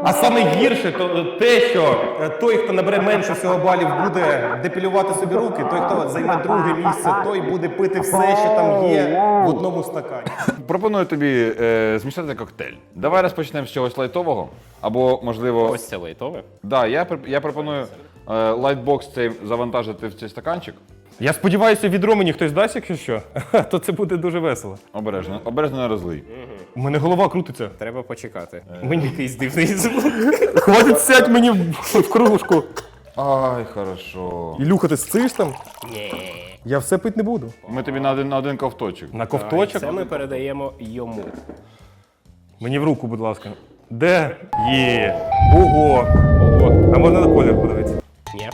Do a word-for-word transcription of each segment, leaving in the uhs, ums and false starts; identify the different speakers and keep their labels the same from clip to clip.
Speaker 1: А саме гірше то те, що той, хто набере менше всього балів, буде депілювати собі руки, той, хто займе друге місце, той буде пити все, що там є в одному стакані.
Speaker 2: Пропоную тобі е, змішати коктейль. Давай розпочнемо з чогось лайтового, або, можливо...
Speaker 3: Ось це лайтове.
Speaker 2: Да, я, я пропоную е, лайтбокс цей завантажити в цей стаканчик.
Speaker 1: Я сподіваюся, відро мені хтось дасть, якщо що, то це буде дуже весело.
Speaker 2: Обережно, обережно не розлий.
Speaker 1: У мене голова крутиться.
Speaker 3: Треба почекати.
Speaker 1: Мені
Speaker 3: Якийсь дивний звук.
Speaker 1: хватить сядь мені в, в кружку.
Speaker 2: Ай, хорошо.
Speaker 1: Ілюха, ти сциш там?
Speaker 3: Ні.
Speaker 1: Я все пити не буду.
Speaker 2: Ми тобі на один, на один ковточок.
Speaker 1: На ковточок?
Speaker 3: Це ми передаємо йому.
Speaker 1: Мені в руку, будь ласка. Де? Є. Ого. Ого. А можна на колір подивитися?
Speaker 3: Ні.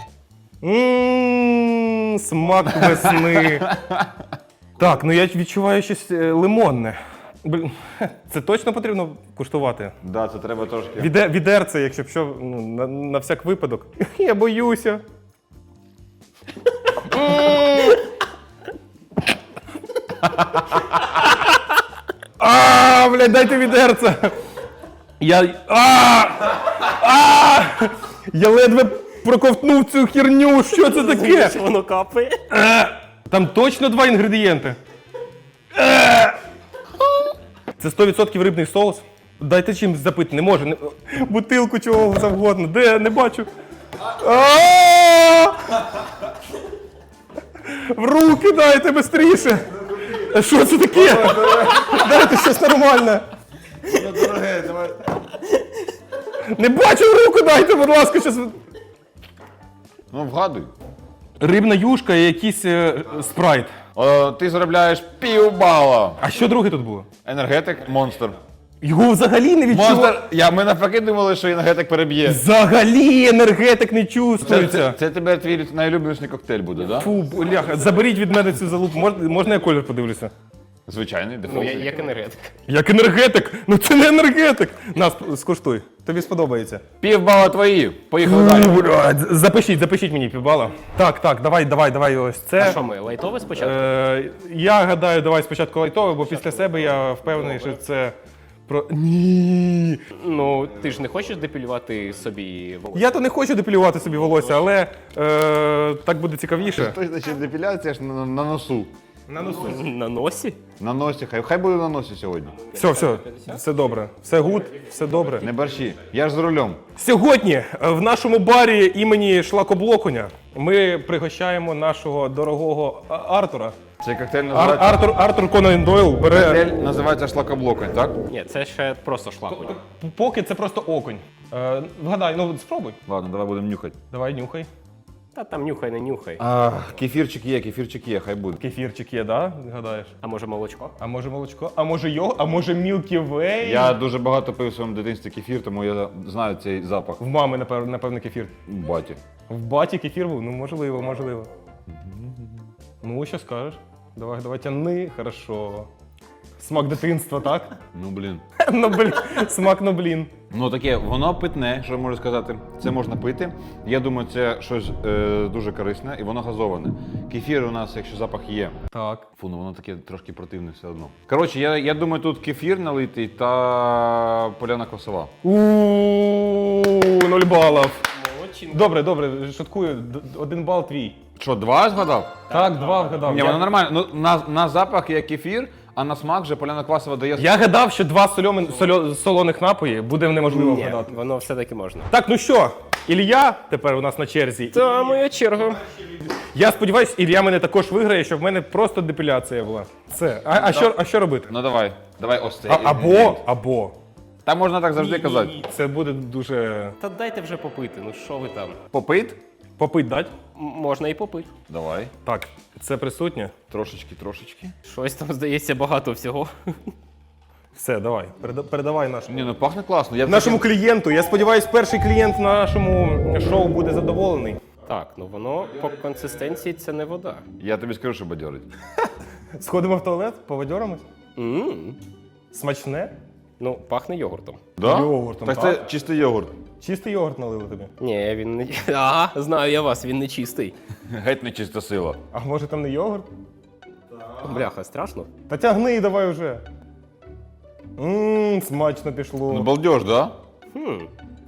Speaker 1: Ммм, смак весни. Так, ну я відчуваю щось е, лимонне. Блін, це точно потрібно куштувати?
Speaker 2: Да, це треба трошки.
Speaker 1: Віде, відерце, якщо б що, ну, на, на всяк випадок. Я боюся. А, блядь, дайте відерце. Я. А! А! Я ледве проковтнув цю херню. Що це таке?
Speaker 3: Що воно капає?
Speaker 1: Там точно два інгредієнти. Е! Це сто відсотків рибний соус. Дайте чимось запити, не можу. Не... Бутилку чого завгодно. Де? Не бачу. А! В руки дайте швидше. Що це таке? Дайте щось нормальне.
Speaker 2: Дороге, давай.
Speaker 1: Не бачу, в руку дайте, будь ласка, щось.
Speaker 2: Ну, вгадуй.
Speaker 1: Рибна юшка і якийсь е, спрайт.
Speaker 2: О, ти заробляєш півбала.
Speaker 1: А що друге тут було?
Speaker 2: Енергетик, монстр.
Speaker 1: Його взагалі не відчував.
Speaker 2: Монстр, я, ми навпаки думали, що енергетик переб'є.
Speaker 1: Взагалі енергетик не
Speaker 2: Це,
Speaker 1: чувствується.
Speaker 2: це, це тепер твій найлюбленіший коктейль буде, да?
Speaker 1: Фу, бляха, заберіть від мене цю залупу. Можна, можна я колір подивлюся?
Speaker 2: Звичайний,
Speaker 3: Ну,
Speaker 2: дефолт.
Speaker 3: я- як енергетик.
Speaker 1: Як енергетик? Ну це не енергетик. Нас скуштуй. Тобі сподобається.
Speaker 2: Півбала твої. Поїхали далі.
Speaker 1: Блядь, запишіть, запишіть мені півбала. Так, так, давай, давай, давай ось це.
Speaker 3: А що ми, лайтове спочатку?
Speaker 1: Е, я гадаю, давай спочатку лайтове, бо після себе я впевнений, що це про. Ні.
Speaker 3: Ну, ти ж не хочеш депілювати собі волосся?
Speaker 1: Я то не хочу депілювати собі волосся, але е, так буде цікавіше.
Speaker 2: Той, значить, депіляція ж на, на носу.
Speaker 1: На носу.
Speaker 3: На носі?
Speaker 2: На носі. Хай, хай буде на носі сьогодні.
Speaker 1: Все, все, все добре. Все гуд, все добре.
Speaker 2: Не борщі. Я ж за рулем.
Speaker 1: Сьогодні е, в нашому барі імені Шлакоблокуня ми пригощаємо нашого дорогого А- Артура.
Speaker 2: Цей коктейль
Speaker 1: Ар-
Speaker 2: називається,
Speaker 1: Артур, Артур Конан Дойл бере.
Speaker 2: коктейль називається шлакоблоконь, так?
Speaker 3: Ні, це ще просто шлакоть.
Speaker 1: Поки це просто окунь. Е, вгадай, ну спробуй.
Speaker 2: Ладно, давай будемо нюхати.
Speaker 1: Давай нюхай.
Speaker 3: Та там нюхай, не нюхай.
Speaker 2: А, кефірчик є, кефірчик є, хай буде.
Speaker 1: Кефірчик є, да? Гадаєш?
Speaker 3: А може молочко?
Speaker 1: А може молочко? А може його? А може Milky Way?
Speaker 2: Я дуже багато пив в своєму дитинстві кефір, тому я знаю цей запах.
Speaker 1: В мами, напевно, напевно, кефір.
Speaker 2: Баті.
Speaker 1: В баті кефір був? Ну, можливо, можливо. Ну, що скажеш? Давай, давай, тяни, хорошо. Смак дитинства, так?
Speaker 2: Ну блін.
Speaker 1: Ну, блін, смак, ну, блін.
Speaker 2: Ну таке, воно питне, що я можу сказати. Це можна пити. Я думаю, це щось е, дуже корисне і воно газоване. Кефір у нас, якщо запах є.
Speaker 1: Так.
Speaker 2: Фу, ну воно таке трошки противне все одно. Коротше, я, я думаю, тут кефір налитий та поляна квасова.
Speaker 1: Ууу, нуль балів.
Speaker 3: Молодчинка.
Speaker 1: Добре, добре, шуткую. Д- Один бал твій.
Speaker 2: Що, два згадав?
Speaker 1: Так, два вгадав.
Speaker 2: Ні,
Speaker 1: Я-
Speaker 2: воно нормально. Ну, на, на запах є кефір, а на смак вже поляна квасова дає.
Speaker 1: Я гадав, що два сольоми, сольо, солоних напої буде неможливо
Speaker 3: Ні,
Speaker 1: вгадати.
Speaker 3: воно все-таки можна.
Speaker 1: Так, ну що, Ілля тепер у нас на черзі.
Speaker 3: Та моя черга.
Speaker 1: Я сподіваюся, Ілля мене також виграє, щоб в мене просто депіляція була. Це. А, а, що, а що робити?
Speaker 2: Ну давай, давай ось цей.
Speaker 1: А, або, або.
Speaker 2: Та можна так завжди казати.
Speaker 1: Це буде дуже.
Speaker 3: Та дайте вже попити, ну що ви там?
Speaker 2: Попит?
Speaker 1: Попить дать?
Speaker 3: М- Можна і попити.
Speaker 2: Давай.
Speaker 1: Так, це присутнє.
Speaker 2: Трошечки, трошечки.
Speaker 3: Щось там, здається, багато всього.
Speaker 1: Все, давай. Переда- передавай нашому.
Speaker 2: Ні, ну пахне класно. Я б
Speaker 1: Нашому
Speaker 2: таке-
Speaker 1: клієнту. Я сподіваюся, перший клієнт на нашому шоу буде задоволений.
Speaker 3: Так, ну воно по консистенції це не вода.
Speaker 2: Я тобі скажу, що бадьорить.
Speaker 1: Сходимо в туалет, поводьорамось.
Speaker 3: М.
Speaker 1: Смачне?
Speaker 3: Ну, пахне йогуртом.
Speaker 2: Да?
Speaker 1: Йогуртом,
Speaker 2: Так
Speaker 1: так?
Speaker 2: це чистий йогурт.
Speaker 1: Чистий йогурт налили тобі.
Speaker 3: Ні, він не. Ага, знаю я вас, він не чистий.
Speaker 2: Геть не чиста сила.
Speaker 1: А може там не йогурт?
Speaker 3: Бляха, страшно.
Speaker 1: Та тягни давай вже. Ммм, смачно пішло.
Speaker 2: Ну балдеж, да?
Speaker 3: Хм.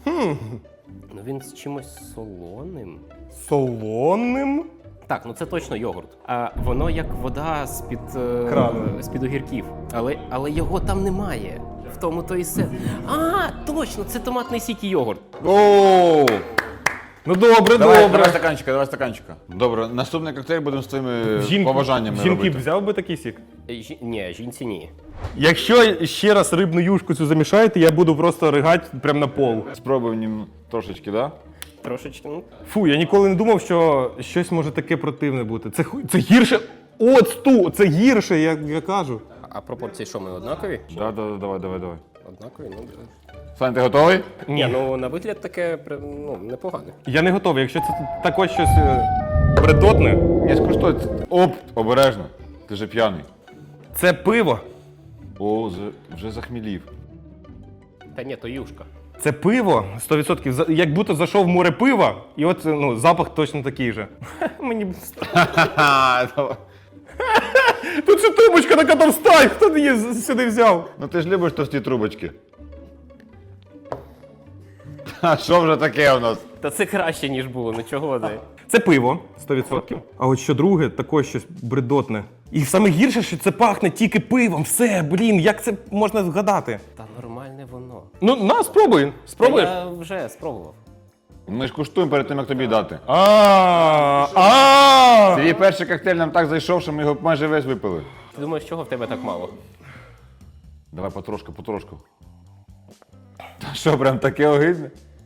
Speaker 3: Ну він з чимось солоним.
Speaker 1: Солоним?
Speaker 3: Так, ну це точно йогурт. А воно як вода з-під е,
Speaker 1: Крану.
Speaker 3: з-під огірків. Але, але його там немає. В тому то і все. А, точно, це томатний сік і йогурт.
Speaker 2: Оу!
Speaker 1: Ну добре,
Speaker 2: Давай,
Speaker 1: добре.
Speaker 2: давай стаканчика, давай стаканчика. Добре, наступний коктейль будемо з твоїми
Speaker 1: Жінки-
Speaker 2: побажаннями
Speaker 1: Жінки б
Speaker 2: робити.
Speaker 1: взяв би такий сік?
Speaker 3: Е, Жі... Ні, жінці ні.
Speaker 1: Якщо ще раз рибну юшку цю замішаєте, я буду просто ригати прямо на пол.
Speaker 2: Спробуємо ним трошечки, да?
Speaker 3: Трошечки, ну.
Speaker 1: Фу, я ніколи не думав, що щось може таке противне бути. Це, ху- це гірше. Оцту, це гірше, я, я кажу.
Speaker 3: А пропорції що, ми однакові?
Speaker 2: Да, да, да, давай, давай, давай.
Speaker 3: Однакові, ну.
Speaker 2: Сань, ти готовий?
Speaker 3: Ні, ну на вигляд таке прям, ну, непогане.
Speaker 1: Я не готовий. Якщо це також щось е, бредотне,
Speaker 2: Ні, скуштуй. Оп, обережно. Ти же п'яний.
Speaker 1: це пиво.
Speaker 2: О, за- вже захмілів.
Speaker 3: Та ні, то юшка.
Speaker 1: Це пиво сто відсотків. За- Як будто зайшов в море пива, і от ну, запах точно такий же. Мені б-
Speaker 2: Ха-ха, давай.
Speaker 1: Тут ще трубочка така товста, хто її з- сюди взяв?
Speaker 2: Ну ти ж любиш товсті трубочки. А що вже таке у нас?
Speaker 3: Та це краще, ніж було, ну чого ти?
Speaker 1: Це пиво сто відсотків. А от що друге, також щось бредотне. І саме гірше, що це пахне тільки пивом. Все, блін, як це можна згадати?
Speaker 3: Та нормальне воно.
Speaker 1: Ну, на, спробуй. Спробуєш?
Speaker 3: Та я вже спробував.
Speaker 2: Ми ж куштуємо перед тим, як тобі дати.
Speaker 1: А, а.
Speaker 2: Твій перший коктейль нам так зайшов, що ми його майже весь випили.
Speaker 3: Ти думаєш, чого в тебе так мало?
Speaker 2: Давай потрошку, потрошку. Та що, прям таке огидне?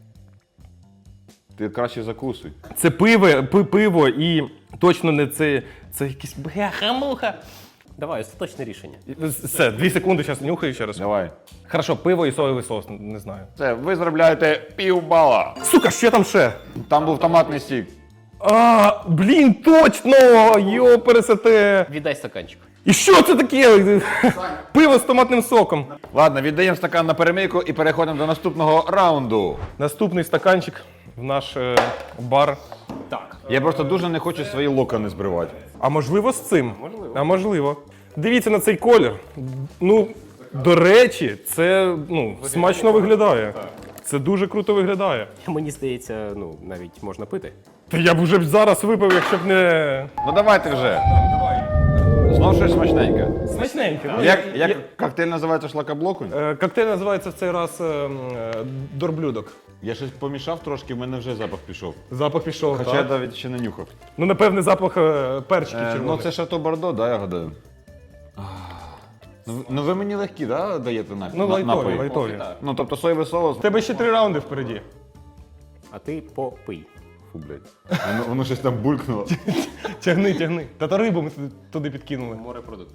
Speaker 2: Ти краще закусуй.
Speaker 1: Це пиво, пи- пиво і точно не це. Це якийсь бляха-муха.
Speaker 3: Давай, остаточне рішення.
Speaker 1: Все, дві секунди, зараз нюхаю ще раз.
Speaker 2: Давай.
Speaker 1: Хорошо, пиво і соєвий соус, не знаю.
Speaker 2: Це, ви заробляєте півбала.
Speaker 1: Сука, що там ще?
Speaker 2: Там був томатний сік.
Speaker 1: А, блін, точно! Йо, пересете.
Speaker 3: Віддай стаканчик.
Speaker 1: І що це таке? Пиво з томатним соком.
Speaker 2: Ладно, віддаємо стакан на перемийку і переходимо до наступного раунду.
Speaker 1: Наступний стаканчик в наш е, бар.
Speaker 3: Так.
Speaker 2: Я просто дуже не хочу свої локони збривати.
Speaker 1: А можливо з цим? Можливо. А можливо. Дивіться на цей колір. Ну, до речі, це ну, смачно виглядає. Це дуже круто виглядає.
Speaker 3: Мені здається, ну, навіть можна пити.
Speaker 1: Та я б вже б зараз випив, якщо б не.
Speaker 2: Ну давайте вже. Знов щось смачненьке.
Speaker 1: Смачненько.
Speaker 2: Як, як коктейль називається шлакоблокунь?
Speaker 1: Е, Коктейль називається в цей раз е, м, е, дорблюдок.
Speaker 2: Я щось помішав трошки, в мене вже запах пішов.
Speaker 1: Запах пішов.
Speaker 2: Хоча я
Speaker 1: так?
Speaker 2: навіть ще не нюхав.
Speaker 1: Ну, напевне, запах е, перчиків
Speaker 2: Е, ну
Speaker 1: червоних.
Speaker 2: це Шато Бордо, да, я гадаю. А, Ну, ви- ну ви мені легкі, да, даєте на,
Speaker 1: Ну,
Speaker 2: на-
Speaker 1: лайтові,
Speaker 2: напої?
Speaker 1: лайтові.
Speaker 2: Ну тобто соєвий соус.
Speaker 1: У тебе ще три раунди впереді.
Speaker 3: А ти попий.
Speaker 2: Фу, блядь. Воно, воно щось там булькнуло.
Speaker 1: Тягни, тягни. Та то рибу ми туди- туди підкинули.
Speaker 3: Морепродукти.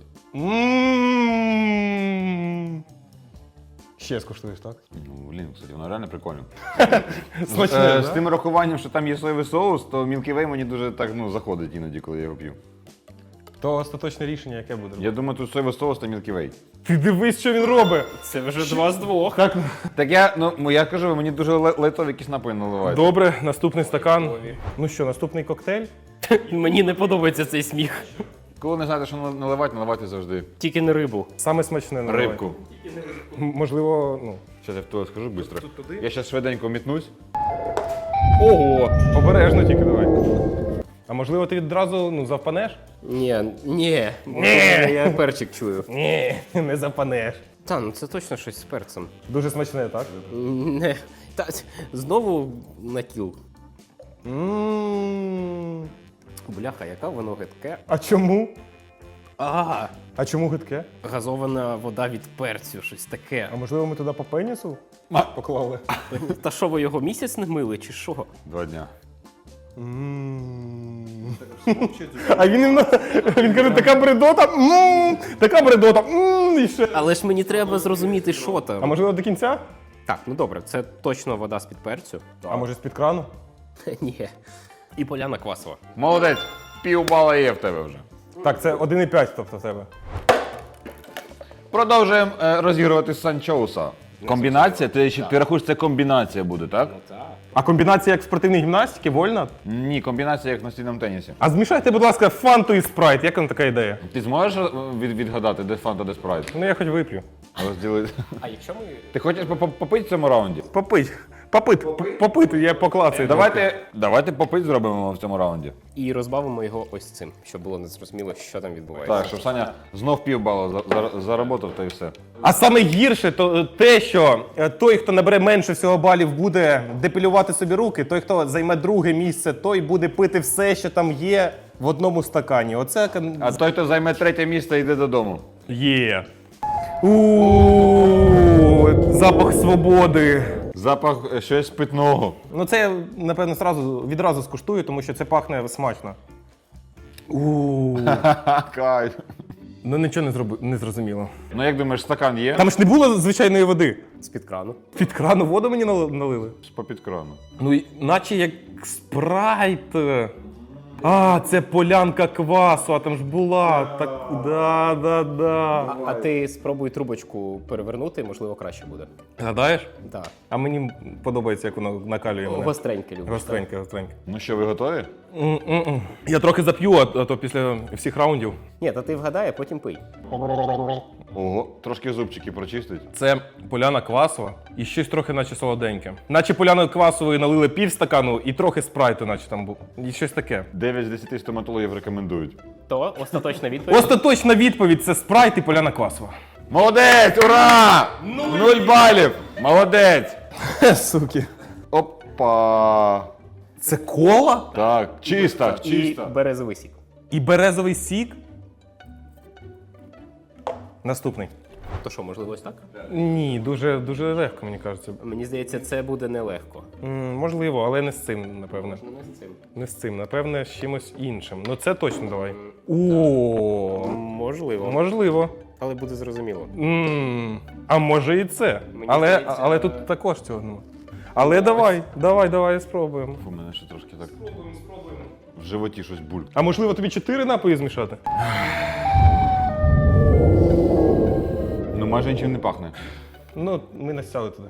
Speaker 1: М. Ще скуштуєш, так?
Speaker 2: Ну, блін, кстати, воно реально прикольно.
Speaker 1: Смачне,
Speaker 2: Е,
Speaker 1: да?
Speaker 2: З тим рахуванням, що там є соєвий соус, то Milky Way мені дуже так ну, заходить іноді, коли я його п'ю.
Speaker 1: То остаточне рішення, яке буде.
Speaker 2: Я думаю, тут соєвий соус та Milky Way.
Speaker 1: Ти дивись, що він робить.
Speaker 3: Це вже два з двох.
Speaker 1: Так,
Speaker 2: Так я, ну, я кажу, мені дуже лай- лайтові якісь напої наливають.
Speaker 1: добре, наступний стакан. Ну що, наступний коктейль?
Speaker 3: Мені не подобається цей сміх.
Speaker 2: Коли не знаєте, що наливати, наливайте завжди.
Speaker 3: Тільки не рибу.
Speaker 1: Саме смачне наливай.
Speaker 2: Рибку.
Speaker 1: М- Можливо, ну.
Speaker 2: Зараз я в туалет скажу швидко. Я зараз швиденько мітнусь.
Speaker 1: Ого! Обережно тільки давай. А можливо, ти відразу ну, завпанеш?
Speaker 3: Ні, ні. Я перчик чую.
Speaker 1: Ні, не запанеш.
Speaker 3: Та, ну це точно щось з перцем.
Speaker 1: Дуже смачне, так?
Speaker 3: Не. Та, знову на кіл.
Speaker 1: М.
Speaker 3: Бляха, яка воно гидке.
Speaker 1: А чому?
Speaker 3: А,
Speaker 1: А чому гидке?
Speaker 3: газована вода від перцю, щось таке.
Speaker 1: А можливо, ми туди по пенісу поклали?
Speaker 3: Та що ви його місяць не мили, чи що?
Speaker 2: Два дня.
Speaker 1: М. А він іменно- він каже, така бредота, м, така бредота, м, і ще.
Speaker 3: Але ж мені треба зрозуміти, що
Speaker 1: А
Speaker 3: там.
Speaker 1: можливо до кінця?
Speaker 3: Так, ну добре, це точно вода з-під перцю.
Speaker 1: А може з-під крану?
Speaker 3: Ні. І поляна квасова.
Speaker 2: Молодець, півбала є в тебе вже.
Speaker 1: Так, це один і п'ять, тобто в тебе.
Speaker 2: Продовжуємо е, розігрувати санчоуса. Комбінація? Ти, ще- ти рахуєш, це комбінація буде, так?
Speaker 1: А комбінація як в спортивній гімнастиці, вольна?
Speaker 2: Ні, комбінація як на стільному тенісі.
Speaker 1: А змішайте, будь ласка, фанту і спрайт. Як вам така ідея?
Speaker 2: Ти зможеш е, від, відгадати, де фанта, де спрайт?
Speaker 1: Ну я хоч вип'ю.
Speaker 2: Розділити.
Speaker 3: А якщо ми.
Speaker 2: Ти хочеш поп- попити в цьому раунді?
Speaker 1: Попить. Попити, попити, я поклацаю.
Speaker 2: Давайте, давайте попит зробимо в цьому раунді.
Speaker 3: І розбавимо його ось цим, щоб було незрозуміло, що там відбувається.
Speaker 2: Так, щоб Саня знов півбалу за- за- заработав, та й все.
Speaker 1: А саме гірше то те, що е, той, хто набере менше всього балів, буде депілювати собі руки, той, хто займе друге місце, той буде пити все, що там є в одному стакані. Оце кон-
Speaker 2: А той, хто займе третє місце, йде додому.
Speaker 1: є. У запах свободи.
Speaker 2: Запах е, щось питного.
Speaker 1: Ну це я, напевно, зразу, відразу скуштую, тому що це пахне смачно. У
Speaker 2: Кайф.
Speaker 1: Ну нічого не зроби, не зрозуміло.
Speaker 2: Ну як думаєш, стакан є?
Speaker 1: Там ж не було звичайної води.
Speaker 3: З-під крану.
Speaker 1: Під крану воду мені нал- налили.
Speaker 2: З-попід крану.
Speaker 1: Ну, і- наче як спрайт. А, це полянка квасу, а там ж була. Так, да, да, да.
Speaker 3: А ти спробуй трубочку перевернути, можливо, краще буде.
Speaker 1: Гадаєш?
Speaker 3: Так.
Speaker 1: А мені подобається, як воно накалює мене.
Speaker 3: Гостреньке любиш.
Speaker 1: Гостреньке, гостреньке.
Speaker 2: Ну що, ви готові?
Speaker 1: М-м-м. Я трохи зап'ю, а а то після всіх раундів.
Speaker 3: Ні, та ти вгадай, а потім пий.
Speaker 2: Ого, трошки зубчики прочистить.
Speaker 1: Це поляна квасова і щось трохи наче солоденьке. Наче поляну квасової налили пів стакану і трохи спрайту, наче там був. І щось таке.
Speaker 2: дев'ять з десяти стоматологів рекомендують.
Speaker 3: То остаточна відповідь.
Speaker 1: Остаточна відповідь це спрайт і поляна квасова.
Speaker 2: Молодець! Ура! Нуль балів! Молодець!
Speaker 1: Суки.
Speaker 2: Опа!
Speaker 1: Це кола?
Speaker 2: Так, чиста,
Speaker 3: І
Speaker 2: чиста.
Speaker 3: березовий сік.
Speaker 1: І березовий сік. Наступний.
Speaker 3: То що, можливо, ось так?
Speaker 1: Ні, дуже, дуже легко, мені кажеться.
Speaker 3: Мені здається, це буде нелегко.
Speaker 1: М, можливо, але не з цим, напевне.
Speaker 3: Ну, не з цим.
Speaker 1: Не з цим, напевне, з чимось іншим. Ну це точно давай. О,
Speaker 3: Можливо.
Speaker 1: можливо.
Speaker 3: Але буде зрозуміло.
Speaker 1: М, А може і це.
Speaker 3: Мені
Speaker 1: Але,
Speaker 3: здається,
Speaker 1: але
Speaker 3: е,
Speaker 1: тут також цього нема. Але давай, давай, давай, спробуємо.
Speaker 2: У мене ще трошки так в животі щось буль.
Speaker 1: А можливо тобі чотири напої змішати?
Speaker 2: Ну майже нічим не пахне.
Speaker 1: Ну, ми настяли туди.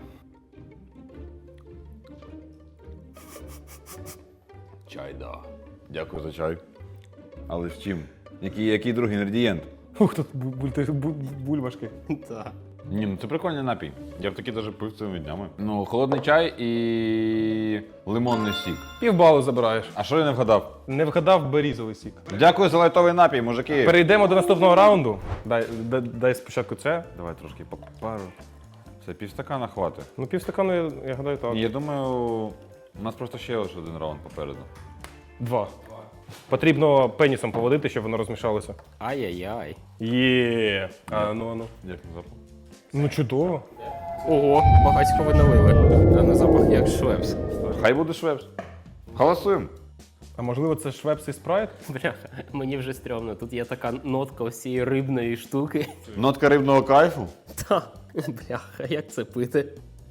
Speaker 2: Чай, да. Дякую за чай. Але з чим? Який, який другий інгредієнт?
Speaker 1: Ух, тут бу- буль- бу- бульбашки.
Speaker 3: Так.
Speaker 2: Ні, ну це прикольний напій. Я б такий навіть пив цими днями. Ну, холодний чай і лимонний сік.
Speaker 1: Півбалу забираєш.
Speaker 2: А що я не вгадав?
Speaker 1: Не вгадав берізовий сік.
Speaker 2: Дякую за лайтовий напій, мужики.
Speaker 1: Перейдемо до наступного раунду. Дай, дай, дай спочатку це.
Speaker 2: Давай трошки попару. Це півстакана хватить.
Speaker 1: Ну, півстакану, я, я гадаю, так.
Speaker 2: Ні, я думаю, у нас просто ще лише один раунд попереду.
Speaker 1: Два. Потрібно пенісом поводити, щоб воно розмішалося.
Speaker 3: Ай-яй-яй.
Speaker 1: Є. А, ну, ну.
Speaker 2: Як на запах?
Speaker 1: Ну, чудово.
Speaker 3: Ого, багатько ви налили. А на запах як швепс.
Speaker 2: Хай буде швепс. Голосуємо.
Speaker 1: А можливо, це швепс і спрайт?
Speaker 3: Бляха, мені вже стрьомно. Тут є така нотка ось цієї рибної штуки.
Speaker 2: Нотка рибного кайфу.
Speaker 3: Та, бляха, як це пити?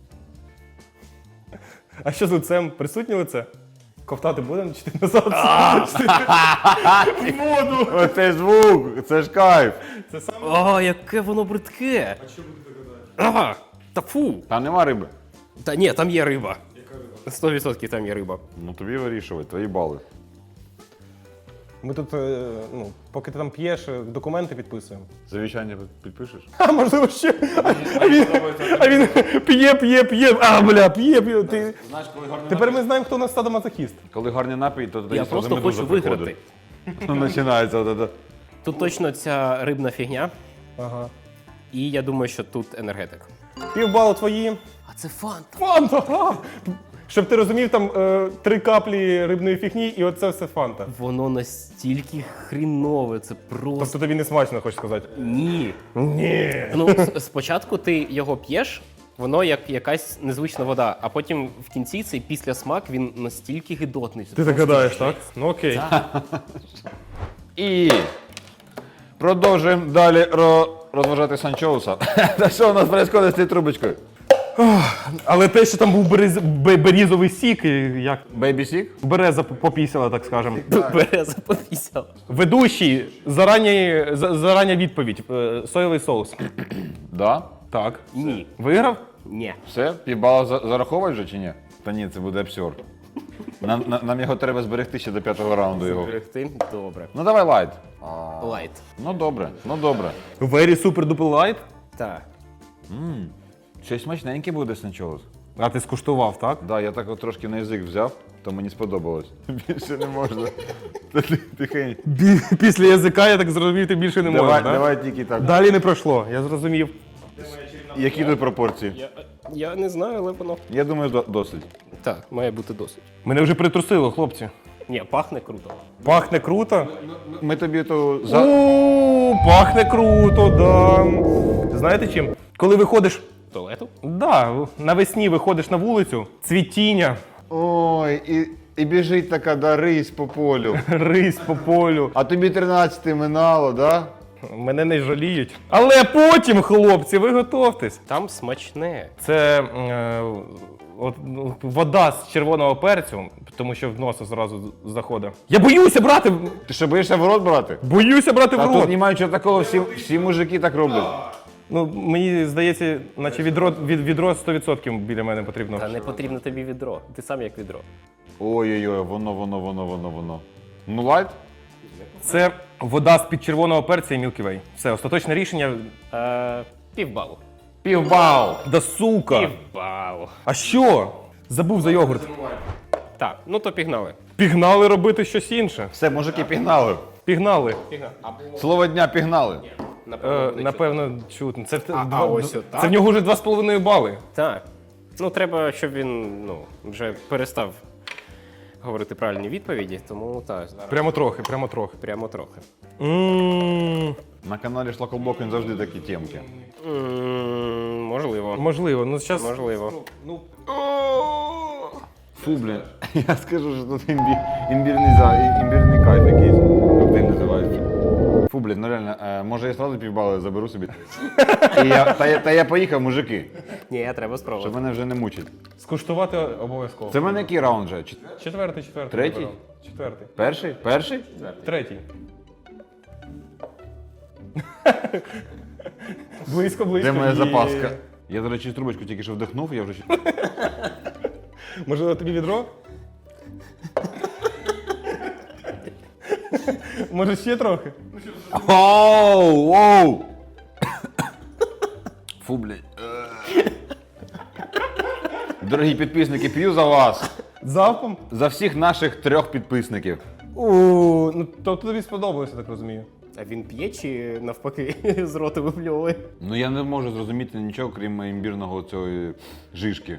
Speaker 1: А що з лицем? Присутнє лице? Ковтати будемо чи ти назад? Воду!
Speaker 2: Оце звук, це ж кайф.
Speaker 1: Це саме.
Speaker 3: О, яке воно бридке! А що буде догадати? Ага, та фу!
Speaker 2: Там нема риби.
Speaker 3: Та ні, там є риба. Сто відсотків там є риба.
Speaker 2: Ну тобі вирішувати, твої бали.
Speaker 1: Ми тут, е, ну, поки ти там п'єш, е, документи підписуємо.
Speaker 2: Завічання підпишеш?
Speaker 1: А, можливо, ще. А він, а він п'є, п'є, п'є. А, бля, п'є, п'є. Ти...
Speaker 2: Знаєш, коли гарний
Speaker 1: Тепер ми знаємо, хто у нас садомазохіст.
Speaker 2: Коли гарний напій, то тоді
Speaker 3: Я
Speaker 2: сразу
Speaker 3: просто
Speaker 2: медуза
Speaker 3: хочу
Speaker 2: приходить.
Speaker 3: виграти.
Speaker 2: Ну, починається от це.
Speaker 3: Тут точно ця рибна фігня,
Speaker 1: Ага.
Speaker 3: і я думаю, що тут енергетик.
Speaker 1: Півбалу твої.
Speaker 3: А це фанта.
Speaker 1: Фанта! А! Щоб ти розумів, там е, три каплі рибної фігні, і оце все фанта.
Speaker 3: Воно настільки хрінове, це просто.
Speaker 1: Тобто тобі не смачно, хочеш сказати?
Speaker 3: Ні.
Speaker 1: Ні.
Speaker 3: Ну, с- спочатку ти його п'єш, воно як якась незвична вода, а потім в кінці цей післясмак, він настільки гидотний. Це
Speaker 1: Ти так
Speaker 3: просто
Speaker 1: гадаєш,
Speaker 3: жесть.
Speaker 1: так? Ну окей.
Speaker 2: І продовжуємо далі ро... розважати Санчоуса. Та що у нас відбувається з цією трубочкою?
Speaker 1: Але те, що там був берез... бе- берізовий сік, і як
Speaker 2: Бейбі сік?
Speaker 1: береза попісила, так скажемо.
Speaker 3: Береза попісяла.
Speaker 1: Ведущий, зарані, за- зарання відповідь. Е, Соєвий соус.
Speaker 2: Да.
Speaker 1: Так.
Speaker 3: Ні.
Speaker 1: Виграв?
Speaker 3: Ні.
Speaker 2: Все? Півбала за- зараховують вже чи ні? Та ні, це буде абсурд. Нам, на- нам його треба зберегти ще до п'ятого раунду його.
Speaker 3: Зберегти? Добре.
Speaker 2: Ну давай лайт.
Speaker 3: Лайт.
Speaker 2: Ну добре, ну добре.
Speaker 1: Very super duper light.
Speaker 3: Так.
Speaker 2: Щось смачненьке буде Санчоус.
Speaker 1: А ти скуштував, так?
Speaker 2: Да, я так от трошки на язик взяв, то мені сподобалось. Більше не можна. Тихенько.
Speaker 1: Бі- Після язика, я так зрозумів, ти більше не
Speaker 2: Давай,
Speaker 1: можеш, так?
Speaker 2: давай тільки так.
Speaker 1: Далі не пройшло, я зрозумів.
Speaker 2: Які тут пропорції?
Speaker 3: Я, я не знаю, але воно.
Speaker 2: Я думаю, до- досить.
Speaker 3: Так, має бути досить.
Speaker 1: Мене вже притрусило, хлопці.
Speaker 3: Ні, пахне круто.
Speaker 1: Пахне круто.
Speaker 2: Ми тобі то за.
Speaker 1: О, пахне круто, да. Знаєте чим? Коли виходиш,
Speaker 3: Туалету?
Speaker 1: да, навесні виходиш на вулицю, цвітіння,
Speaker 2: Ой, і, і біжить така да, рись по полю.
Speaker 1: рись по полю.
Speaker 2: А тобі тринадцяте минало, да?
Speaker 1: Мене не жаліють. Але потім, хлопці, ви готовтесь.
Speaker 3: Там смачне.
Speaker 1: Це е, от, ну, вода з червоного перцю, тому що в носа зразу заходить. Я боюся брати!
Speaker 2: Ти що, боїшся в рот брати?
Speaker 1: Боюся брати
Speaker 2: Та
Speaker 1: в
Speaker 2: тут
Speaker 1: рот.
Speaker 2: немає чого такого, всі, всі мужики так роблять.
Speaker 1: Ну, мені здається, наче відро, від, відро сто відсотків біля мене потрібно.
Speaker 3: Та не потрібно тобі відро. Ти сам як відро.
Speaker 2: Ой-ой-ой, воно, воно, воно, воно, воно. Ну, лайт?
Speaker 1: Це вода з-під червоного перця і Milky Way. Все, остаточне рішення.
Speaker 3: Е, півбалу.
Speaker 2: Півбал!
Speaker 1: Да сука!
Speaker 3: Півбалу.
Speaker 1: А що? Забув за йогурт.
Speaker 3: Так, ну то пігнали.
Speaker 1: Пігнали робити щось інше.
Speaker 2: Все, мужики, пігнали.
Speaker 1: Пігнали.
Speaker 3: Пігнали. Або,
Speaker 2: Слово дня пігнали.
Speaker 3: напевно,
Speaker 1: Е,
Speaker 3: буде
Speaker 1: напевно, чутно. Це,
Speaker 3: А,
Speaker 1: два-
Speaker 3: а ось отак?
Speaker 1: це в нього вже два з половиною бали.
Speaker 3: Так. Ну, треба, щоб він ну, вже перестав говорити правильні відповіді, тому так, зараз
Speaker 1: Прямо трохи, прямо трохи.
Speaker 3: прямо трохи.
Speaker 1: М,
Speaker 2: На каналі Шлакоблок він завжди такі темки.
Speaker 3: М, Можливо.
Speaker 1: Можливо, ну зараз.
Speaker 3: Можливо.
Speaker 1: Ну,
Speaker 2: Фу, блін. Я скажу, що тут імбі... імбірний, за... імбірний кайф якийсь. Як він називається. Фу, блін, ну реально, е, може я сразу півбали заберу собі. І я... Та, я... Та я поїхав, мужики,
Speaker 3: Ні, треба
Speaker 2: щоб
Speaker 3: спробувати.
Speaker 2: мене вже не мучить.
Speaker 1: скуштувати обов'язково.
Speaker 2: Це в мене який раунд вже? Чет-
Speaker 1: Четвертий, четвертий.
Speaker 2: Третій?
Speaker 1: вибирав. Четвертий.
Speaker 2: Перший? Перший?
Speaker 1: Третій. Близько, близько.
Speaker 2: Де моя
Speaker 1: Є.
Speaker 2: запаска? Я, до речі, трубочку тільки що вдихнув, я вже...
Speaker 1: Можливо, тобі відро? Може ще трохи?
Speaker 2: Оу, оу! Фу, блядь. Дорогі підписники, п'ю за вас.
Speaker 1: Залпом?
Speaker 2: За всіх наших трьох підписників.
Speaker 1: У, ну тобто тобі сподобалося, так розумію.
Speaker 3: А він п'є чи навпаки з рота випльовує?
Speaker 2: Ну я не можу зрозуміти нічого, крім імбірного цієї жишки.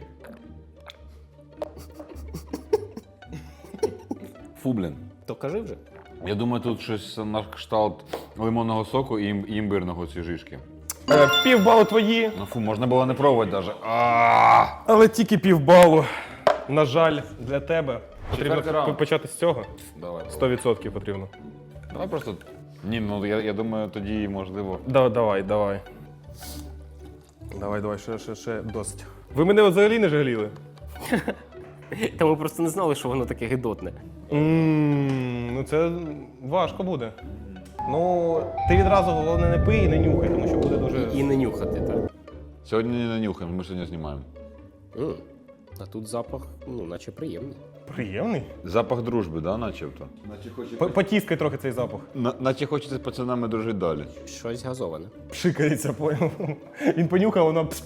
Speaker 2: Фу, блін.
Speaker 3: То кажи вже.
Speaker 2: Я думаю, тут щось на кшталт лимонного соку і ім- і імбирного ці жишки.
Speaker 1: Е, півбалу твої,
Speaker 2: Ну фу, можна було не пробувати навіть. А!
Speaker 1: але тільки півбалу. На жаль, для тебе. Потрібно
Speaker 2: Четвертий раунд.
Speaker 1: п- почати з цього.
Speaker 2: Давай.
Speaker 1: сто відсотків потрібно.
Speaker 2: Давай просто. Ні, ну я, я думаю, тоді можливо.
Speaker 1: Да, давай, давай. Давай, давай, ще, ще, ще досить. Ви мене взагалі не жаліли?
Speaker 3: Та ми просто не знали, що воно таке гидотне.
Speaker 1: Ммм, ну це важко буде. Ну, ти відразу головне не пий і не нюхай, тому що буде дуже.
Speaker 3: І не нюхати, так.
Speaker 2: Сьогодні не нанюхаємо, ми сьогодні знімаємо.
Speaker 3: М. А тут запах, ну, наче приємний.
Speaker 1: Приємний.
Speaker 2: Запах дружби, да, начебто?
Speaker 1: П- Потіскай трохи цей запах.
Speaker 2: На, наче хочеться з пацанами дружити далі.
Speaker 3: Щось газоване.
Speaker 1: Пшикається, поняв. Він понюхав, воно пс.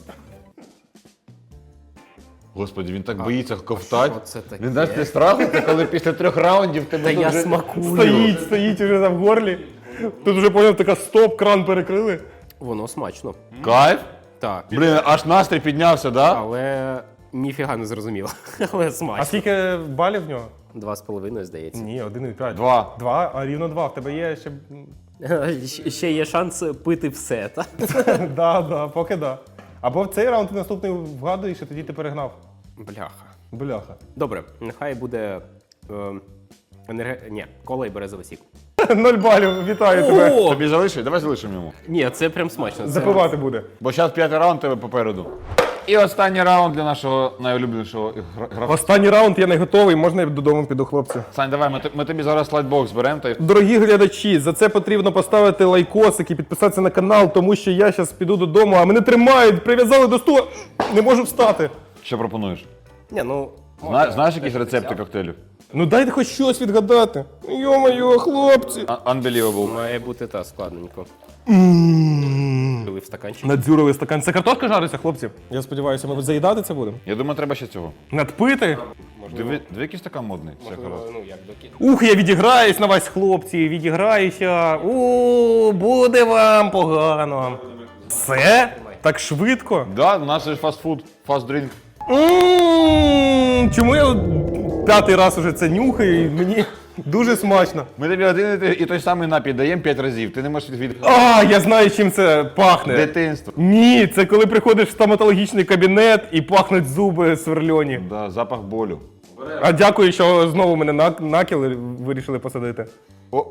Speaker 2: Господи, він так боїться ковтати.
Speaker 3: що це таке?
Speaker 2: Він дасть ти страху, це коли після трьох раундів тебе
Speaker 3: Та
Speaker 2: тут
Speaker 3: я
Speaker 2: вже-
Speaker 3: смакую.
Speaker 1: Стоїть, стоїть уже там в горлі. Тут вже поняв, така стоп, кран перекрили.
Speaker 3: Воно смачно.
Speaker 2: Кайф?
Speaker 3: Так.
Speaker 2: Блін, аж настрій піднявся, да?
Speaker 3: Але ніфіга не зрозуміло. Але
Speaker 1: А
Speaker 3: смачно.
Speaker 1: скільки балів в нього?
Speaker 3: Два з половиною, здається.
Speaker 1: Ні, один і п'ять.
Speaker 2: Два.
Speaker 1: Два, а рівно два. В тебе є ще.
Speaker 3: Щ- Ще є шанс пити все, так?
Speaker 1: Да, да, поки да. Або в цей раунд ти наступний вгадуєш, і тоді ти перегнав.
Speaker 3: Бляха.
Speaker 1: Бляха.
Speaker 3: Добре, нехай буде. Е, енерге... Ні, кола і березовий сік.
Speaker 1: Ноль балів, вітаю тебе.
Speaker 2: Тобі залишиш? Давай залишимо йому.
Speaker 3: Ні, це прям смачно. Це...
Speaker 1: Запивати буде.
Speaker 2: Бо зараз п'ятий раунд тебе попереду. І останній раунд для нашого найулюбленішого гра- гравця.
Speaker 1: Останній раунд я не готовий, можна я додому піду, хлопці.
Speaker 2: Сань, давай, ми, т- ми тобі зараз слайдбокс беремо та й
Speaker 1: Дорогі глядачі, за це потрібно поставити лайкосик і підписатися на канал, тому що я зараз піду додому, а мене тримають, прив'язали до стула, не можу встати.
Speaker 2: що пропонуєш?
Speaker 3: Ні, ну.
Speaker 2: Зна, знаєш якісь рецепти коктейлів?
Speaker 1: Ну дайте хоч щось відгадати. Йо-моє, хлопці.
Speaker 2: А- Unbelievable.
Speaker 3: Має бути та складненько. в стаканчик.
Speaker 1: Надзюрили стакан. Це картошка жариться, хлопці? Я сподіваюся, ми заїдати це будемо.
Speaker 2: Я думаю, треба ще цього.
Speaker 1: Надпити?
Speaker 2: Диви, диви який стакан модний. Все
Speaker 3: Можливо,
Speaker 2: хорошо.
Speaker 3: ну як доки.
Speaker 1: Ух, я відіграюсь на вас, хлопці, відіграюся. У, буде вам погано. Все? Так швидко?
Speaker 2: Да, у нас є фастфуд, фастдрінк.
Speaker 1: М, Чому я п'ятий раз уже це нюхаю і мені дуже смачно.
Speaker 2: Ми тобі один і той- і той самий напій даємо п'ять разів. Ти не можеш від, від...
Speaker 1: А, я знаю, чим це пахне.
Speaker 2: дитинства.
Speaker 1: Ні, це коли приходиш в стоматологічний кабінет і пахнуть зуби сверльоні.
Speaker 2: Да, запах болю.
Speaker 1: А дякую, що знову мене на накіл вирішили посадити.
Speaker 2: О,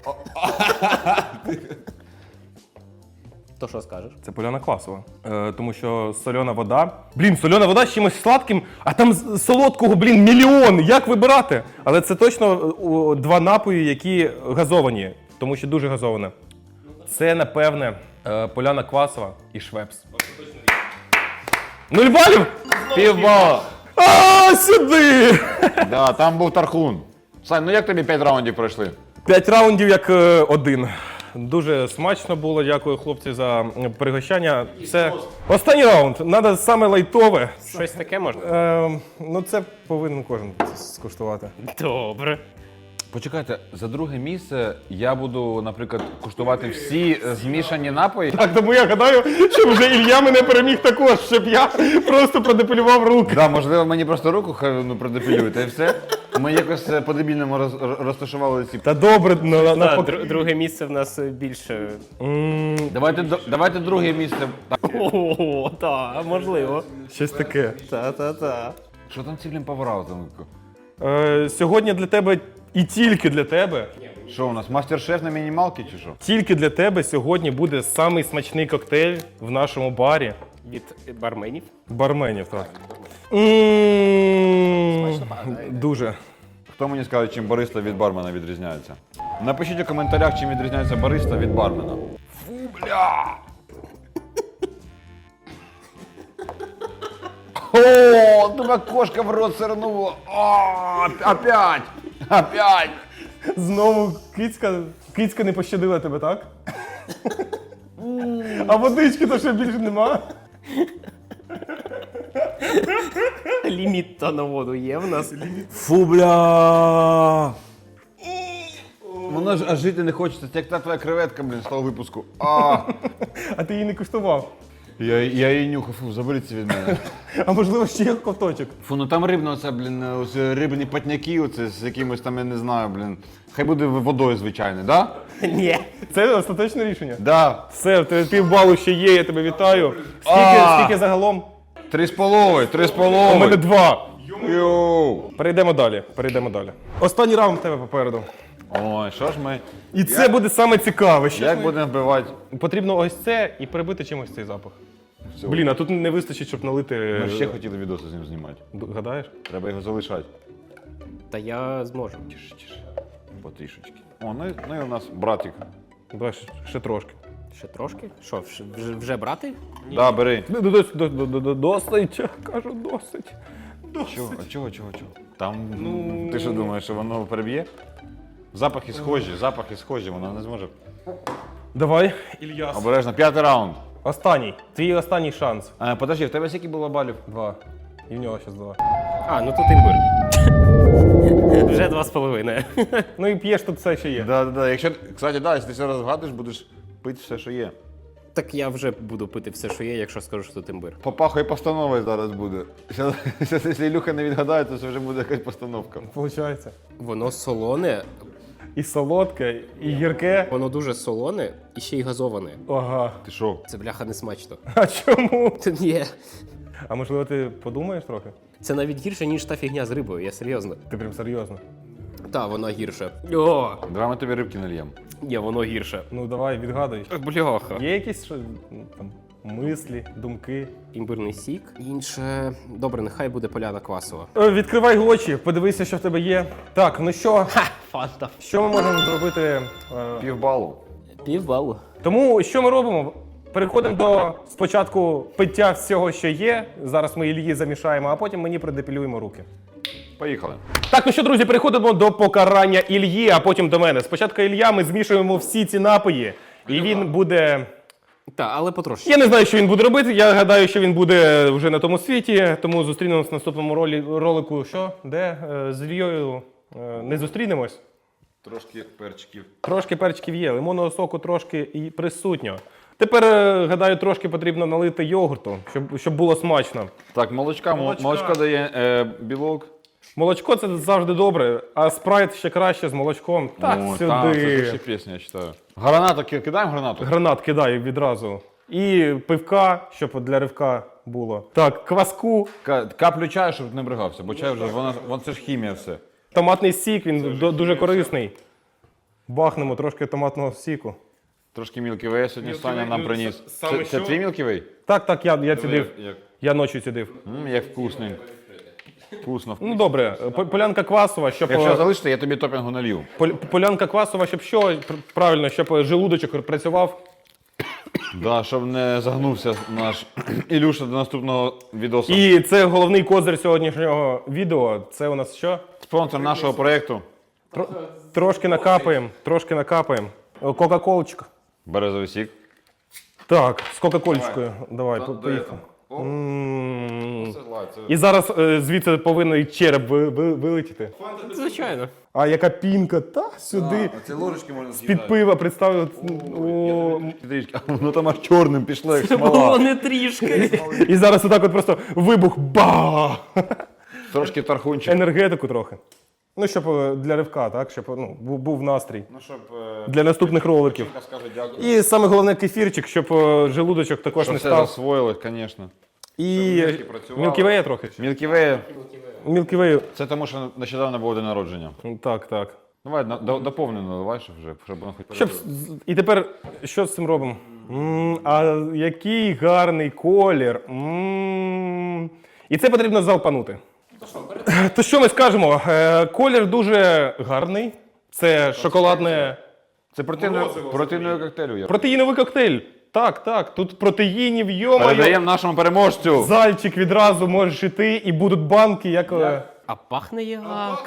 Speaker 3: То що скажеш?
Speaker 1: Це поляна класова. Е, тому що сольона вода. Блін, сольона вода з чимось сладким, а там з- солодкого, блін, мільйон. Як вибирати? Але це точно е, о, два напої, які газовані, тому що дуже газоване. Це, напевне, е, поляна квасова і швепс. Нуль балів?
Speaker 2: півбала.
Speaker 1: А, сюди!
Speaker 2: Да, там був тархун. Сань, ну як тобі п'ять раундів пройшли?
Speaker 1: П'ять раундів як е, один. Дуже смачно було. Дякую, хлопці, за м, пригощання. Це останній раунд. Надо саме лайтове.
Speaker 3: Щось таке можна?
Speaker 1: Е, ну, це повинен кожен скуштувати.
Speaker 3: Добре.
Speaker 2: Почекайте, за друге місце я буду, наприклад, куштувати всі е, змішані напої.
Speaker 1: Так, тому я гадаю, що вже Ілля мене переміг також, щоб я просто продепілював руки.
Speaker 2: Да, можливо, мені просто руку хай ну, продепілюють, і все. Ми якось е, по-дебільному роз, роз- розташували ці.
Speaker 1: Та добре, на, на,
Speaker 3: Так,
Speaker 1: на...
Speaker 3: дру- друге місце в нас більше.
Speaker 2: Давайте, до- давайте друге місце. Так,
Speaker 3: О, так, можливо.
Speaker 1: щось таке.
Speaker 3: Та-та-та.
Speaker 2: що там ці блін повара? Там?
Speaker 1: Е, сьогодні для тебе і тільки для тебе,
Speaker 2: Що у нас, мастер-шеф на мінімалки чи що?
Speaker 1: тільки для тебе сьогодні буде самий смачний коктейль в нашому барі.
Speaker 3: Від барменів.
Speaker 1: Барменів, так. М, Дуже.
Speaker 2: Хто мені скаже, чим бариста від бармена відрізняється? Напишіть у коментарях, чим відрізняється бариста від бармена. Фу, бля! О, тебе кошка в рот сирнула. О, опять! Опять!
Speaker 1: Знову кицька, кицька не пощадила тебе, так? А водички то ще більше нема.
Speaker 3: Ліміт то на воду є в нас.
Speaker 2: Фу, бля! Воно ж аж жити не хочеться, це як та твоя креветка, блін, з того випуску. А,
Speaker 1: А ти її не куштував.
Speaker 2: я, я її нюхав, фу, заберіться від мене.
Speaker 1: А можливо, ще є ковточок.
Speaker 2: Фу, ну там рибно, оце, блін, ось рибні патняки, оце з якимось там, я не знаю, блін. Хай буде водою звичайною, да?
Speaker 3: Ні.
Speaker 1: Це остаточне рішення.
Speaker 2: Да.
Speaker 1: Все, в тебе півбалу ще є, я тебе вітаю. Скільки,
Speaker 2: А.
Speaker 1: скільки загалом?
Speaker 2: Три з половою, три з
Speaker 1: У мене
Speaker 2: половою.
Speaker 1: два.
Speaker 2: Йоу.
Speaker 1: Перейдемо далі. Перейдемо далі. Останній раунд в тебе попереду.
Speaker 2: Ой, що ж ми,
Speaker 1: І це буде саме цікаве. Ще
Speaker 2: як будемо вбивати?
Speaker 1: потрібно ось це і прибити чимось цей запах.
Speaker 2: Все.
Speaker 1: Блін, а тут не вистачить, щоб налити.
Speaker 2: Ми ще хотіли відоси з ним знімати.
Speaker 1: Д- Гадаєш?
Speaker 2: Треба його залишати.
Speaker 3: Та я зможу.
Speaker 2: Тише, тише. Потрішечки. О, ну, і- ну і у нас братик.
Speaker 1: Давай ще, ще трошки.
Speaker 3: Ще трошки? Що, вж- вже, вже брати?
Speaker 2: Да, бери.
Speaker 1: Д- д- дос- до- до- до- до- Досить, кажу, досить. Досить.
Speaker 2: Чого, а чого, чого, чого? Там, ну... ти що думаєш, що воно переб'є? Запахи схожі, запахи схожі, воно не зможе.
Speaker 1: Давай, Ільяс.
Speaker 2: Обережно, п'ятий раунд.
Speaker 1: Останній. Твій останній шанс.
Speaker 2: А, подожди, в тебе скільки було балів?
Speaker 1: Два. І в нього ще два.
Speaker 3: А, ну тут імбир. Вже два з половиною.
Speaker 1: Ну і п'єш тут все, що є.
Speaker 2: Да, да, да. Якщо, кстати, да, якщо ти все розгадуєш, будеш пити все, що є.
Speaker 3: Так я вже буду пити все, що є, якщо скажу, що тут імбир.
Speaker 2: Попахує постановою зараз буде. Зараз, зараз, якщо Ілюха не відгадає, то це вже буде якась постановка.
Speaker 1: Получається.
Speaker 3: Воно солоне,
Speaker 1: І солодке, і гірке.
Speaker 3: воно дуже солоне і ще й газоване.
Speaker 1: Ага.
Speaker 2: Ти що?
Speaker 3: Це бляха не смачно.
Speaker 1: А чому?
Speaker 3: Це ні.
Speaker 1: А можливо, ти подумаєш трохи?
Speaker 3: Це навіть гірше, ніж та фігня з рибою, я серйозно.
Speaker 1: Ти прям серйозно.
Speaker 3: Та, воно гірше. О,
Speaker 2: Давай ми тобі рибки нальємо.
Speaker 3: ні, воно гірше.
Speaker 1: Ну давай, відгадуй.
Speaker 3: Бляха.
Speaker 1: Є якісь що, ну, там, мислі, думки?
Speaker 3: Імбирний сік. Інше. Добре, нехай буде поляна квасова.
Speaker 1: Е, Відкривай очі, подивися, що в тебе є. Так, ну що,
Speaker 3: Фанта.
Speaker 1: що ми можемо зробити? е,
Speaker 2: Півбалу.
Speaker 3: Півбалу.
Speaker 1: Тому що ми робимо? Переходимо до спочатку пиття всього, що є. Зараз ми Ільї замішаємо, а потім мені продепілюємо руки.
Speaker 2: Поїхали.
Speaker 1: Так, ну що, друзі, переходимо до покарання Ільї, а потім до мене. Спочатку Ілля, ми змішуємо всі ці напої, і він буде
Speaker 3: Так, але потрошки.
Speaker 1: Я не знаю, що він буде робити. Я гадаю, що він буде вже на тому світі. Тому зустрінемось в наступному ролі, ролику. Що? Де? Е, З Ільєю е, не зустрінемось.
Speaker 2: Трошки перчиків.
Speaker 1: Трошки перчиків є, лимонного соку трошки і присутньо. Тепер, е, гадаю, трошки потрібно налити йогурту, щоб, щоб було смачно.
Speaker 2: Так, молочка,
Speaker 1: Молочка.
Speaker 2: молочко дає е, білок.
Speaker 1: Молочко це завжди добре, а спрайт ще краще з молочком. Так,
Speaker 2: О,
Speaker 1: сюди.
Speaker 2: та, це ще пісня, я читаю. Гранату ки- кидаємо гранату?
Speaker 1: Гранат кидаю відразу. І пивка, щоб для ривка було. Так, кваску,
Speaker 2: Ка- Каплю чаю, щоб не бригався, бо чай вже, вона, вона це ж хімія все.
Speaker 1: томатний сік, він до- дуже корисний. Бахнемо трошки томатного сіку.
Speaker 2: Трошки Milky Way сьогодні
Speaker 1: Milky
Speaker 2: Саня
Speaker 1: Way,
Speaker 2: нам
Speaker 1: ну,
Speaker 2: приніс.
Speaker 1: с- саме
Speaker 2: Це, це
Speaker 1: що?
Speaker 2: твій Milky Way?
Speaker 1: Так, так, я, я цідив.
Speaker 2: Як,
Speaker 1: Я ночі цідив.
Speaker 2: М, як вкусний. Вкусно.
Speaker 1: Ну добре, по- полянка квасова, щоб.
Speaker 2: Якщо
Speaker 1: е,
Speaker 2: залишите, я тобі топінгу налью.
Speaker 1: пол- Полянка квасова, щоб що? Пр- Правильно, щоб е, желудочок працював.
Speaker 2: Да, щоб не загнувся наш Ілюша до наступного відосу.
Speaker 1: І це головний козир сьогоднішнього відео. Це у нас що?
Speaker 2: Спонсор нашого проєкту
Speaker 1: Тро- Трошки накапаємо, трошки накапаємо. О, Кока-колочка.
Speaker 2: Березовий сік.
Speaker 1: Так, з Кока-колечкою. Давай, по- поїхали. М. І зараз е, звідси повинен і череп ви- ви- вилетіти.
Speaker 3: Звичайно.
Speaker 1: А яка пінка, та сюди.
Speaker 2: Це ложечки можна
Speaker 1: З-під пива представив. О,
Speaker 2: А воно там аж чорним пішло, як
Speaker 3: Це було
Speaker 2: смола.
Speaker 3: не трішки.
Speaker 1: і зараз отак от просто вибух. Ба!
Speaker 2: Трошки тархунчик.
Speaker 1: Енергетику трохи. Ну, щоб е, для ривка, так? Щоб ну, був, був настрій.
Speaker 2: Ну, щоб
Speaker 1: Для наступних роликів.
Speaker 2: скаже дякую.
Speaker 1: І саме головне кефірчик, щоб е, желудочок також
Speaker 2: Щоб
Speaker 1: не
Speaker 2: все
Speaker 1: став.
Speaker 2: засвоїли, звісно.
Speaker 1: І
Speaker 2: мишки працювали.
Speaker 1: мілківея трохи.
Speaker 2: Milky Way
Speaker 1: Мілківею.
Speaker 2: – це тому, що нещодавно було день народження.
Speaker 1: Так, так.
Speaker 2: Давай, на- до- доповнено, давай, щоб вже, щоб воно хоч
Speaker 1: Щоб... з- І тепер що з цим робимо? М, а який гарний колір. М. І це потрібно залпанути. То що ми скажемо? Е, Колір дуже гарний. Це шоколадне
Speaker 2: Це протеїновий протеїновий коктейль. я.
Speaker 1: протеїновий коктейль. Так, так. Тут протеїнів, йомаю.
Speaker 2: Передаємо нашому переможцю.
Speaker 1: Зальчик відразу можеш іти, і будуть банки, як. е,
Speaker 3: А пахне як.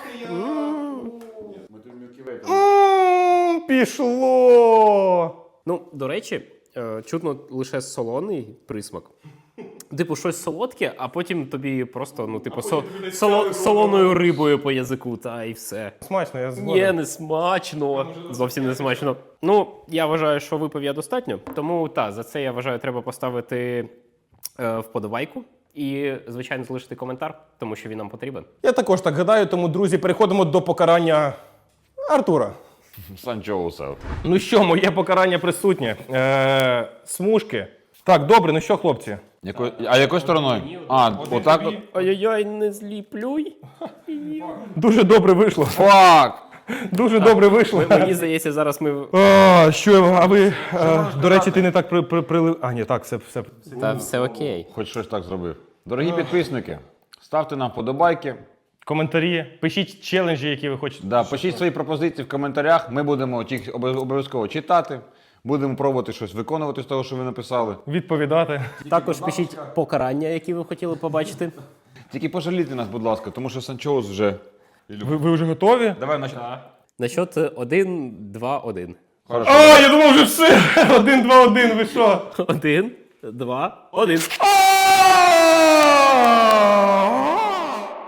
Speaker 1: М, Пішло.
Speaker 3: Ну, до речі, е, чутно лише солоний присмак. Типу, щось солодке, а потім тобі просто, ну, типу, со, соло, солоною рибою по язику, та і все.
Speaker 1: Смачно, я
Speaker 3: Ні,
Speaker 1: згоден.
Speaker 3: не смачно. Зовсім не смачно. Ну, я вважаю, що випив я достатньо. Тому так, за це я вважаю, треба поставити е, вподобайку. І, звичайно, залишити коментар, тому що він нам потрібен.
Speaker 1: Я також так гадаю, тому, друзі, переходимо до покарання Артура.
Speaker 2: Санчоуса.
Speaker 1: Ну що, моє покарання присутнє. Е, смужки. Так, добре, ну що, хлопці?
Speaker 2: Яко... А якою стороною? А, отак от.
Speaker 3: Ай-яй-яй, не зліплюй.
Speaker 1: Дуже добре вийшло.
Speaker 2: Фак!
Speaker 1: Дуже добре вийшло.
Speaker 3: Мені здається, зараз ми.
Speaker 1: А, що, а ви, е, до речі, ти не так при, при, прилив. А, ні, так, все, все.
Speaker 3: Та все окей.
Speaker 2: Хоч щось так зробив. Дорогі підписники, ставте нам подобайки.
Speaker 1: Коментарі, пишіть челенджі, які ви хочете.
Speaker 2: Да, пишіть свої пропозиції в коментарях. Ми будемо їх обов- обов'язково читати. Будемо пробувати щось виконувати з того, що ви написали.
Speaker 1: Відповідати.
Speaker 3: Також пишіть покарання, які ви хотіли побачити.
Speaker 2: Тільки пожалійте нас, будь ласка, тому що Санчоус вже.
Speaker 1: Ви, ви вже готові?
Speaker 2: Давай значить.
Speaker 3: На счет один, два, один.
Speaker 2: Хорошо.
Speaker 1: А, я думав вже все. Один, два, один, ви що?
Speaker 3: Один, два, один.
Speaker 1: А!